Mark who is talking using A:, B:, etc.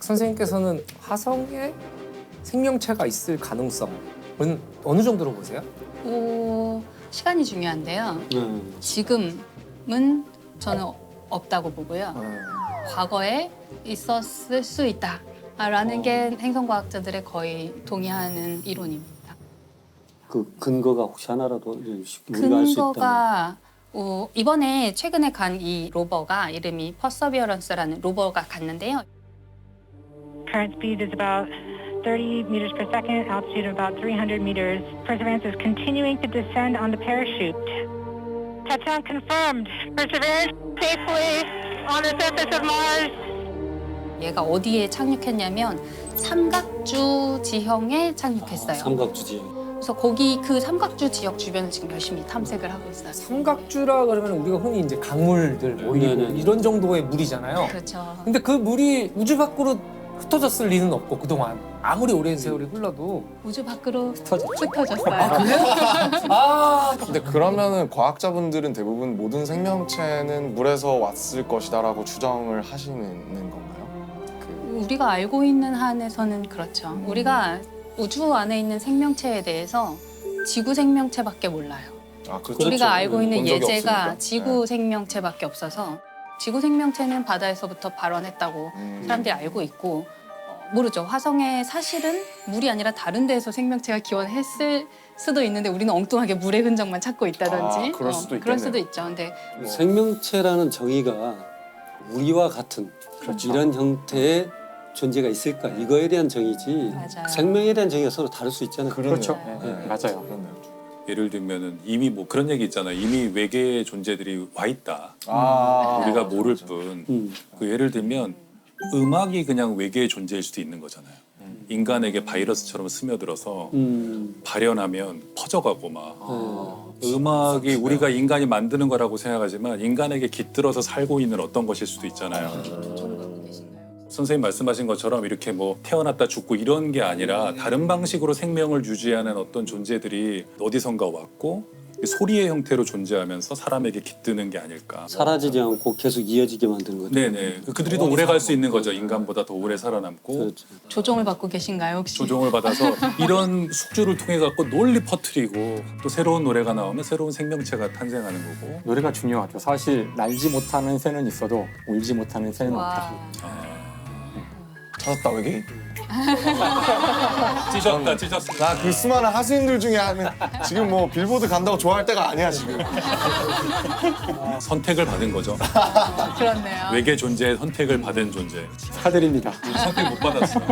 A: 선생님께서는 화성에 생명체가 있을 가능성은 어느 정도로 보세요?
B: 시간이 중요한데요. 지금은 저는 없다고 보고요. 과거에 있었을 수 있다라는 게 행성과학자들의 거의 동의하는 이론입니다.
C: 그 근거가 혹시 하나라도 우리가 알 수 있다면.
B: 근거가 이번에 최근에 간 이 로버가 이름이 퍼서비어런스라는 로버가 갔는데요.
D: Current speed is about 30 meters per second, altitude of about 300 meters. Perseverance is continuing to descend on the parachute. Touchdown confirmed. Perseverance safely on the surface of Mars.
B: 얘가 어디에 착륙했냐면 삼각주 지형에 착륙했어요.
C: 삼각주 지형.
B: 그래서 거기 그 삼각주 지역 주변을 지금 열심히 탐색을 하고 있어요.
A: 삼각주라 그러면 우리가 흔히 이제 강물들 모이고
C: 네네네.
A: 이런 정도의 물이잖아요.
B: 그렇죠.
A: 근데 그 물이 우주 밖으로 흩어졌을 리는 없고 그동안 아무리 오랜 세월이 흘러도
B: 우주 밖으로 흩어졌어요.
E: 근데 그러면은 과학자분들은 대부분 모든 생명체는 물에서 왔을 것이다라고 추정을 하시는 건가요?
B: 우리가 알고 있는 한에서는 그렇죠. 우리가 우주 안에 있는 생명체에 대해서 지구 생명체밖에 몰라요.
E: 아, 그렇죠.
B: 우리가 알고 있는
E: 본 적이
B: 예제가
E: 없으니까.
B: 지구 생명체밖에 없어서 지구 생명체는 바다에서부터 발원했다고 사람들이 알고 있고 모르죠. 화성에 사실은 물이 아니라 다른 데에서 생명체가 기원했을 수도 있는데 우리는 엉뚱하게 물의 흔적만 찾고 있다든지
E: 그럴 수도
B: 그럴
E: 있겠네요.
B: 수도 있죠. 근데
C: 생명체라는 정의가 우리와 같은 이런 형태의 존재가 있을까 이거에 대한 정의지
B: 맞아요.
C: 생명에 대한 정의가 서로 다를 수 있잖아요.
F: 그렇죠.
E: 네.
F: 맞아요.
E: 그렇네요.
G: 예를 들면은 이미 뭐 그런 얘기 있잖아요. 이미 외계의 존재들이 와 있다. 우리가 모를 뿐. 그 예를 들면 음악이 그냥 외계의 존재일 수도 있는 거잖아요. 인간에게 바이러스처럼 스며들어서 발현하면 퍼져가고 막 음악이 우리가 인간이 만드는 거라고 생각하지만 인간에게 깃들어서 살고 있는 어떤 것일 수도 있잖아요. 선생님 말씀하신 것처럼 이렇게 뭐 태어났다 죽고 이런 게 아니라 다른 방식으로 생명을 유지하는 어떤 존재들이 어디선가 왔고 소리의 형태로 존재하면서 사람에게 깃드는 게 아닐까.
C: 사라지지 않고 계속 이어지게 만드는 거죠.
G: 네네. 그들이 더 오래 갈 수 있는 거죠. 인간보다 더 오래 살아남고
C: 그렇죠.
B: 조종을 받고 계신가요 혹시?
G: 조종을 받아서 이런 숙주를 통해 갖고 널리 퍼뜨리고 또 새로운 노래가 나오면 새로운 생명체가 탄생하는 거고.
F: 노래가 중요하죠. 사실 날지 못하는 새는 있어도 울지 못하는 새는 없다.
B: 와.
E: 찾았다 외계인.
G: 찢었다 찢었어.
E: 나 그 수많은 하수인들 중에 하는 지금 뭐 빌보드 간다고 좋아할 때가 아니야 지금.
G: 선택을 받은 거죠.
B: 그렇네요.
G: 외계 존재의 선택을 받은 존재.
F: 축하드립니다.
G: 선택 못 받았어.